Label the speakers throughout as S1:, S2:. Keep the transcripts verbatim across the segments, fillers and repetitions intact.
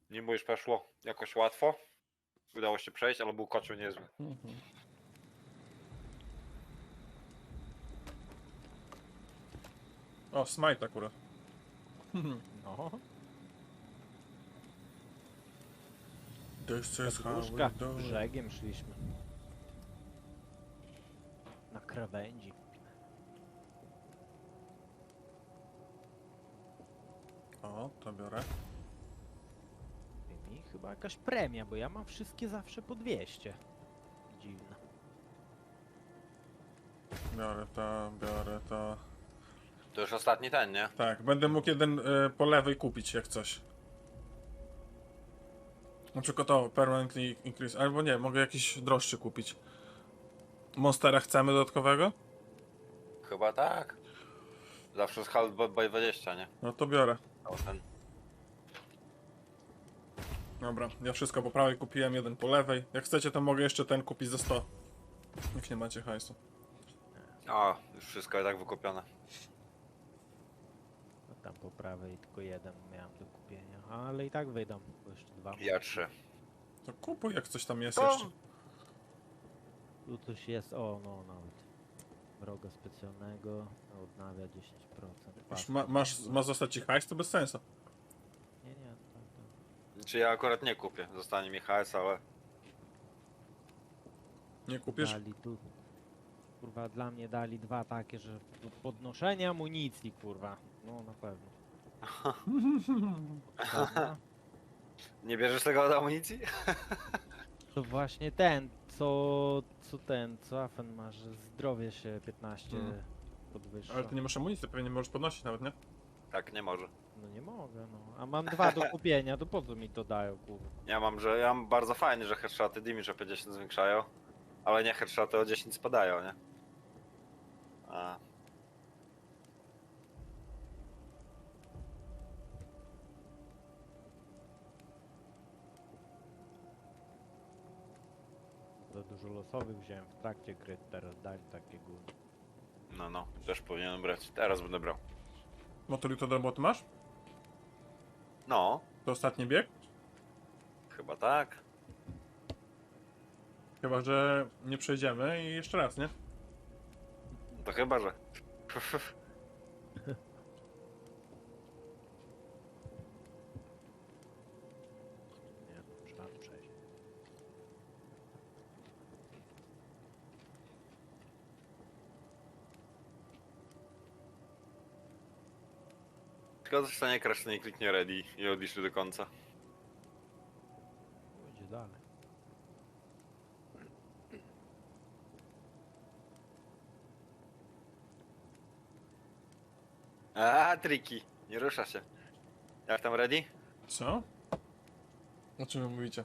S1: Niby już przeszło jakoś łatwo. Udało się przejść, ale był kocioł niezły.
S2: Mhm. O, smite akurat.
S3: No.
S2: This is how
S3: Podróżka
S2: we do it.
S3: brzegiem szliśmy. Na krawędzi.
S2: O, to biorę.
S3: I mi chyba jakaś premia, bo ja mam wszystkie zawsze po dwieście. Dziwne.
S2: Biorę to, biorę to.
S1: To już ostatni ten, nie?
S2: Tak, będę mógł jeden y, po lewej kupić jak coś. Na przykład o, permanently increase, albo nie, mogę jakiś droższy kupić. Monstera chcemy dodatkowego?
S1: Chyba tak. Zawsze z half by dwadzieścia, nie?
S2: No to biorę.
S1: O, ten.
S2: Dobra, ja wszystko po prawej kupiłem, jeden po lewej. Jak chcecie, to mogę jeszcze ten kupić za sto. Jak nie macie hajsu.
S1: O, już wszystko i tak wykupione.
S3: No tam po prawej tylko jeden miałem do kupienia. Ale i tak wydam, bo jeszcze dwa.
S1: Ja trzy.
S2: To kupuj, jak coś tam jest
S1: To-
S2: jeszcze.
S3: Tu coś jest, o no nawet. Wroga specjalnego, odnawia dziesięć procent.
S2: Już ma, masz, ma zostać ci hajs, to bez sensu.
S3: Nie, nie, tak, tak.
S1: Czy ja akurat nie kupię. Zostanie mi hajs, ale...
S2: Nie kupisz?
S3: Dali tu, kurwa, dla mnie dali dwa takie, że do podnoszenia amunicji, kurwa. No na pewno. Dobra.
S1: Nie bierzesz tego od amunicji?
S3: To właśnie ten, co, co ten, co Afen ma, że zdrowie się piętnaście
S2: Mm.
S3: podwyższa.
S2: Ale ty nie masz amunicji, pewnie nie możesz podnosić nawet, nie?
S1: Tak, nie może.
S3: No nie mogę, no. A mam dwa do kupienia, to po co mi to dają, kurwa?
S1: Ja mam, że ja mam bardzo fajnie, że headshoty damage o pięćdziesiąt zwiększają, ale nie headshoty o dziesięć spadają, nie? A.
S3: Za dużo losowych wziąłem w trakcie gry, teraz dali takie gówno.
S1: No, no, też powinienem brać. Teraz będę brał.
S2: Motor to do roboty masz?
S1: No,
S2: To ostatni bieg?
S1: chyba tak.
S2: Chyba, że nie przejdziemy i jeszcze raz, nie?
S1: To chyba, że.
S3: Nie, to trzeba przejść.
S1: Tylko zostanie crash, nie kliknie ready i odliczy do końca.
S3: Pójdzie dalej.
S1: A, triki. Nie rusza się. Jak tam ready?
S2: Co? O czym wy mówicie?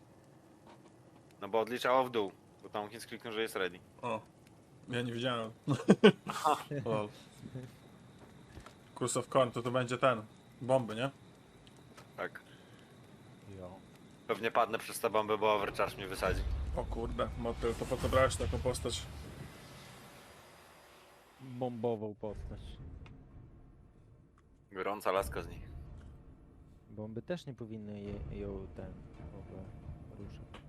S1: No bo odliczało w dół. Bo tam Hins kliknął, że jest ready.
S2: O, ja nie wiedziałem. Lol. Curse of Corn, to to będzie ten. Bomby, nie?
S1: Tak.
S3: Jo.
S1: Pewnie padnę przez tę bombę, bo overcharge mnie wysadzi.
S2: O kurde, motyl, to po co brałeś taką postać?
S3: Bombową postać.
S1: Gorąca laska z nich.
S3: Bomby też nie powinny je, ją ten w ogóle ruszać.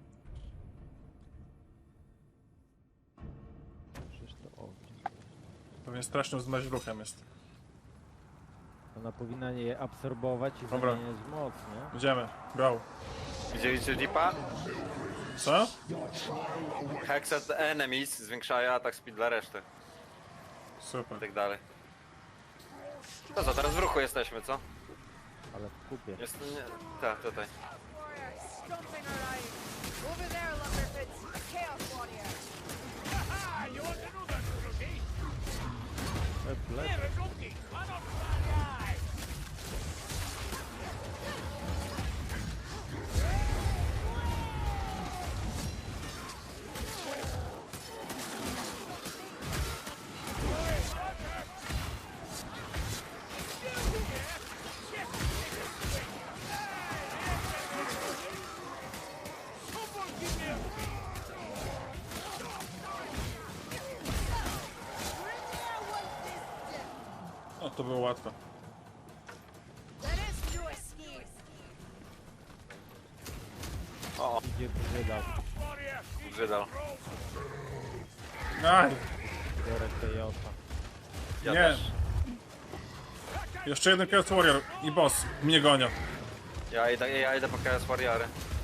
S3: Przecież to ogień.
S2: Pewnie strasznym zmaźruchem jest.
S3: Ona powinna je absorbować i
S2: Dobra.
S3: zamieniać w moc, nie?
S2: Idziemy, go.
S1: Widzieliście Deepa?
S2: Co?
S1: Hexed enemies zwiększają atak speed dla reszty. I
S2: Super.
S1: tak dalej. To co, teraz w ruchu jesteśmy, co?
S3: Ale w kupie.
S1: Jest... nie... Tak, tutaj.
S4: Something alive! Over there, Lumberfits! A Chaos Warrior!
S3: E, plec.
S2: O, to było łatwe.
S4: Let us do a sneeze!
S1: O,
S3: Idzie wydał.
S1: Żydal.
S2: Aj,
S3: Biorę Kejota.
S1: Ja
S2: Nie.
S1: też.
S2: jeszcze jeden Chaos Warrior i boss mnie gonią.
S1: Ja idę, ja idę po Chaos Warriory.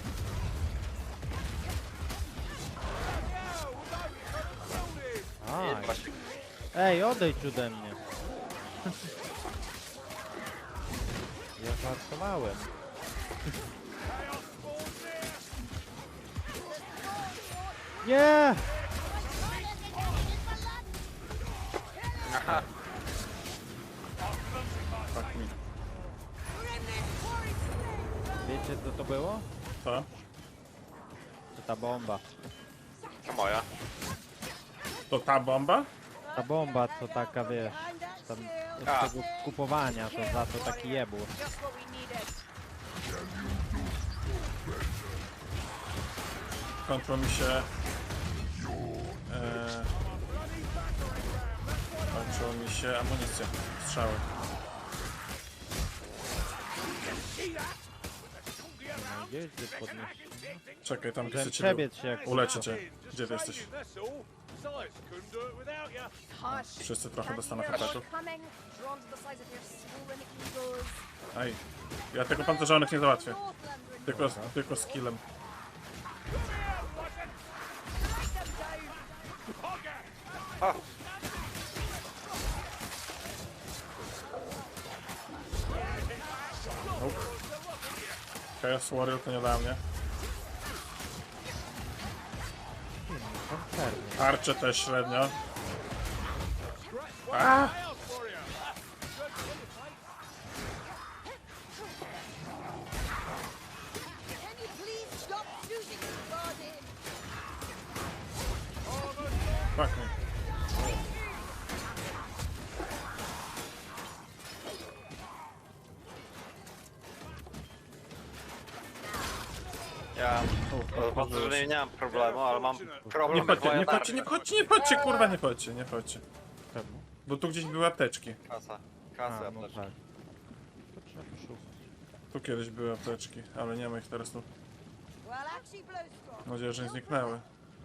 S3: Aj.
S1: I właśnie
S3: Ej, odejdź ode mnie. Ja żartowałem. Nie!
S1: Aha.
S2: Tak mi.
S3: Wiecie co to było?
S2: To?
S3: To ta bomba.
S1: To moja.
S2: To ta bomba?
S3: Ta bomba to taka, wiesz, tam
S1: A.
S3: od tego kupowania, to za to taki jebur.
S4: Just what we needed.
S2: Kończą mi się... E, kończą mi się amunicja. Strzały.
S3: No, gdzieś gdzie podnieść.
S2: Czekaj, tam
S3: Chciałem
S2: chcę cię
S3: przebiec się jak
S2: uleczę cię. Gdzie ty jesteś?
S4: Hush.
S2: Wszyscy trochę
S4: Can't
S2: dostaną
S4: you hear
S2: hataków.
S4: what's coming? Drawn to the size of your swollen eagles.
S2: Aj. Ja tylko pancerzonych nie załatwię.
S4: Northland renewed.
S2: Tylko, tylko skillem.
S4: Strike them down.
S1: O,
S2: Nope. Chaos Warrior to nie dla mnie.
S3: Koncerny.
S2: Arcze też średnio.
S4: Can you please stop shooting me, Guardian?
S2: Fuck me.
S1: ja chodzę, że nie mam problemu, ale mam
S2: Nie
S1: problem
S2: wchodźcie, nie
S1: z
S2: wchodźcie, nie wchodźcie, nie wchodźcie, kurwa, nie wchodźcie, nie wchodźcie.
S3: Czemu?
S2: Bo tu gdzieś były apteczki.
S1: Kasa.
S3: A,
S1: Kasa,
S3: no
S1: apteczka.
S3: tak. To trzeba poszukać.
S2: Tu kiedyś były apteczki, ale nie ma ich teraz tu.
S4: Well, actually blows strong.
S2: Mam nadzieję, że nie zniknęły.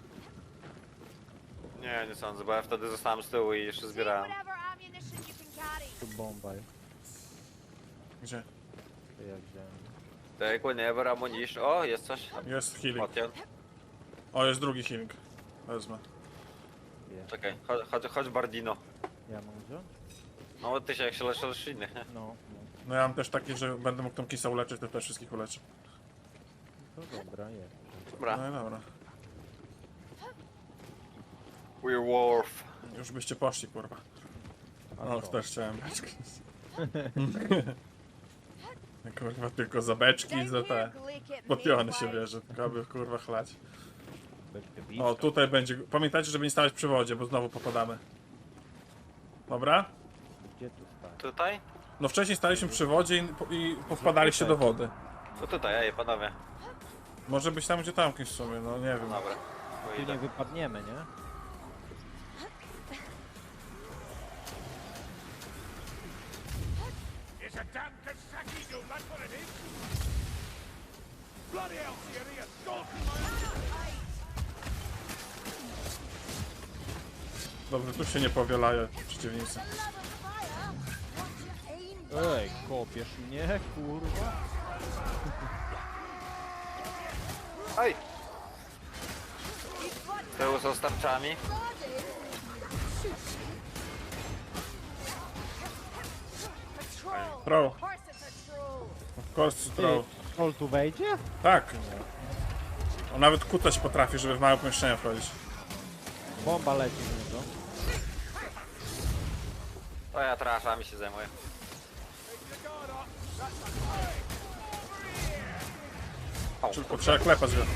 S1: Nie, nie sądzę, bo ja wtedy zostałem z tyłu i jeszcze
S4: See
S1: zbierałem.
S4: whatever ammunition you can carry.
S3: Tu bomba jest.
S2: Gdzie?
S3: To ja wziąłem.
S1: Take whenever ammunition. O, jest coś.
S2: Jest healing.
S1: Potion.
S2: O, jest drugi healing. Wezmę.
S3: Jest.
S1: Czekaj, chodź, chodź, chodź Bardino.
S3: Ja mam wziąć?
S1: No bo ty się jak się leczysz innych, nie?
S3: No, no.
S2: No ja mam też taki, że będę mógł tą kisa uleczyć, to też wszystkich uleczę.
S3: To dobra, jest.
S1: Dobra.
S2: No i dobra.
S1: Werewolf.
S2: Już byście poszli, kurwa. O, to też chciałem beczki. Kurwa, tylko za beczki i za te... Potiony się bierze, tylko aby kurwa chlać.
S3: Beczkę
S2: O, tutaj będzie... Pamiętajcie, żeby nie stawać przy wodzie, bo znowu popadamy. Dobra?
S3: Gdzie tu stać?
S1: Tutaj?
S2: No wcześniej staliśmy przy wodzie i, i powpadaliście do wody.
S1: No tutaj, ej, panowie.
S2: Może być tam, gdzie tamki w sumie, no nie wiem.
S1: Dobra. To
S3: Tu nie
S1: idę.
S3: wypadniemy, nie?
S5: It's a damn Kasaki dude, that's what it is! Bloody hell, Thierry, you're stalking my...
S2: Dobrze, tu się nie powielają przeciwnicy.
S3: Ej, kopiesz mnie, kurwa.
S1: Oj! Tyłu są starczami.
S4: Patrol.
S2: Throw.
S4: Of course it's a troll.
S2: Of course,
S3: Ty,
S2: throw.
S3: troll tu wejdzie?
S2: Tak. On nawet kutać potrafi, żeby w małe pomieszczenia wchodzić.
S3: Bomba leci w niego.
S1: To ja traszami się zajmuję. O,
S2: Tylko trzeba klepać go.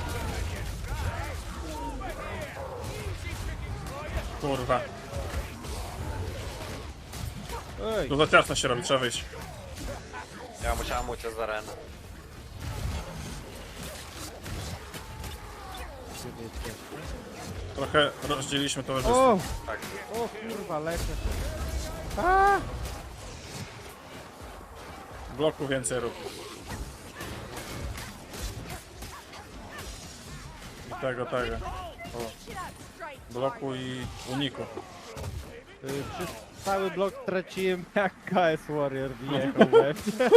S2: Kurwa.
S3: Ej,
S2: Tu za ciasno się robi, trzeba wyjść.
S1: ja musiałem uciec z areny.
S3: gdzie wy jesteście?
S2: Trochę rozdzieliliśmy towarzystwo.
S3: O!
S1: Tak.
S3: O kurwa, lecę. A!
S2: Bloku więcej rób. tego, tego. O,
S4: Shit out straight.
S2: bloku i uniku.
S3: Y, Przez cały blok traciłem jak K S Warrior wjechał we mnie.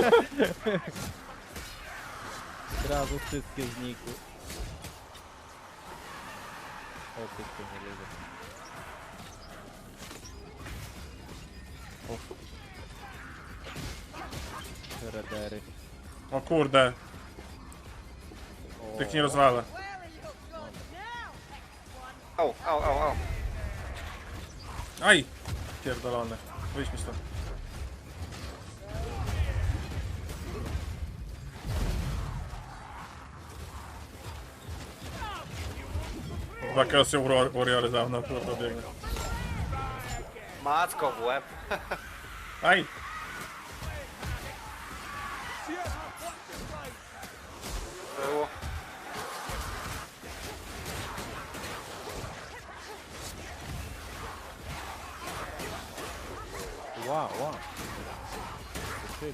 S3: Od razu wszystkie znikły. O, ty to nie lubię. Redery.
S2: O kurde,
S3: O,
S2: tych nie rozwalę.
S4: Well, you go now, next one.
S1: Au, au, au, au.
S2: Aj! Pierdolony. Wyjdź mi stąd. Dwa Chaos Warriory za mną, kurwa, biegnie.
S1: Macko w łeb.
S2: Aj!
S1: Było.
S3: Wow, wow. Zobaczyli.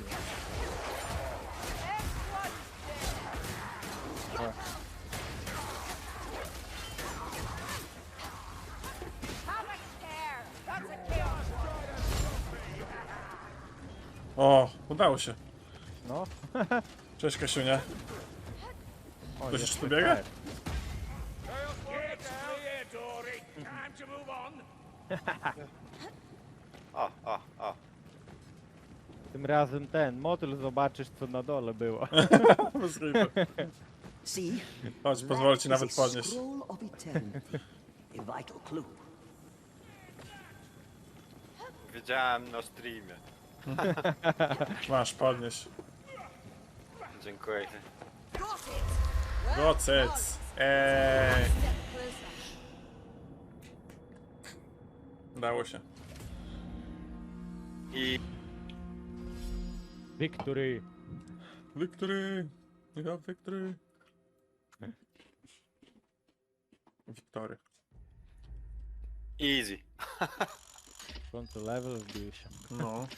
S4: Have a care. That's a chaos.
S2: O, udało się.
S3: No.
S2: Cześć Kasiunia.
S3: O,
S2: Ktoś
S3: jest
S2: jeszcze tu biega?
S3: super.
S5: Get clear, Dory. Time to move on.
S1: O, o, o.
S3: Tym razem ten motyl zobaczysz co na dole było.
S2: Bez kitu.
S6: See?
S2: Chodź, pozwolę ci
S6: That
S2: nawet
S6: is a
S2: podnieść.
S6: scroll of eternity. A vital clue.
S1: Wiedziałem na streamie.
S2: Masz, podnieś.
S1: Dziękuję.
S4: Got it. Well
S2: Gocyc. Eee,
S4: done. Step closer.
S2: udało się.
S1: I
S3: Victory.
S2: Victory! Ja victory! Wiktory.
S1: easy.
S3: W końcu level wbił się.
S2: No.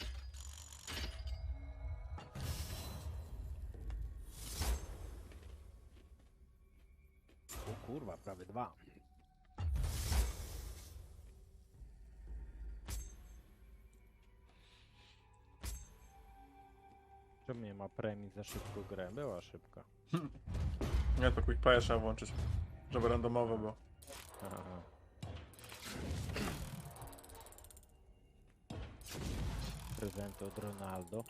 S3: O kurwa, prawie dwa. Czemu nie ma premii za szybką grę? Była szybka.
S2: Nie, to quick play trzeba włączyć. Żeby randomowo było.
S3: Aha. Prezenty od Ronaldo.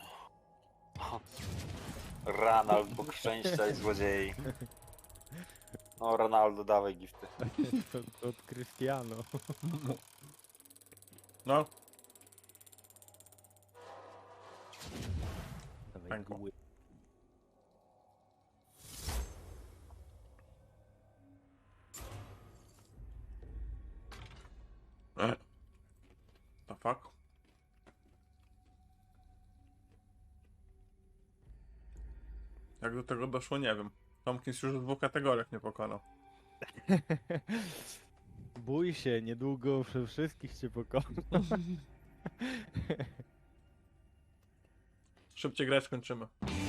S1: Ronaldo, Bóg szczęścia i złodziei. No Ronaldo, dawaj gifty.
S3: od, od Cristiano.
S2: No.
S3: Dawaj
S2: Pękło.
S3: guły.
S2: E. The fuck? Jak do tego doszło, nie wiem. Tomkins już w dwóch kategoriach nie pokonał.
S3: Bój się, niedługo przy wszystkich cię pokona.
S2: Szybciej grę skończymy.